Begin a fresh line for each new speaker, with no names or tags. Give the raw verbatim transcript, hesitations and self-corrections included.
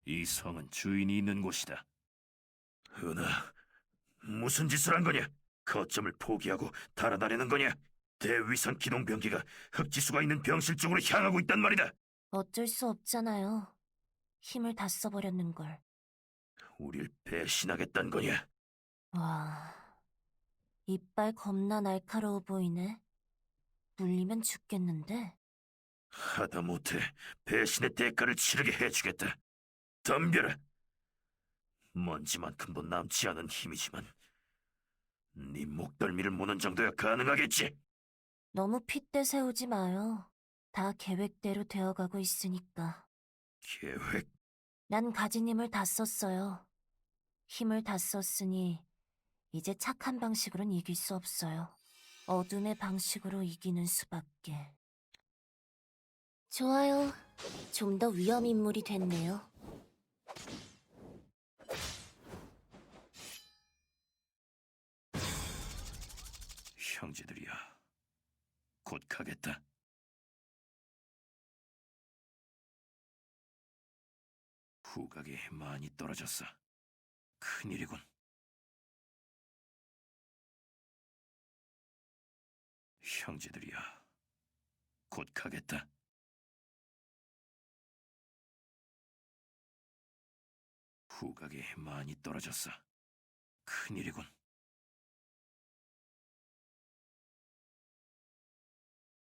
이 성은 주인이 있는 곳이다.
은하, 무슨 짓을 한 거냐? 거점을 포기하고 달아나려는 거냐? 대위선 기동병기가 흑지수가 있는 병실 쪽으로 향하고 있단 말이다.
어쩔 수 없잖아요. 힘을 다 써버렸는걸.
우릴 배신하겠단 거냐?
와, 이빨 겁나 날카로워 보이네. 물리면 죽겠는데?
하다못해 배신의 대가를 치르게 해주겠다. 덤벼라. 먼지만큼도 남지 않은 힘이지만 네 목덜미를 무는 정도야 가능하겠지?
너무 핏대 세우지 마요. 다 계획대로 되어가고 있으니까.
계획?
난 가진 힘을 다 썼어요. 힘을 다 썼으니 이제 착한 방식으론 이길 수 없어요. 어둠의 방식으로 이기는 수밖에. 좋아요. 좀 더 위험 인물이 됐네요.
형제들이야, 곧 가겠다. 후각이 많이 떨어졌어. 큰일이군. 형제들이야, 곧 가겠다. 후각이 많이 떨어졌어. 큰일이군.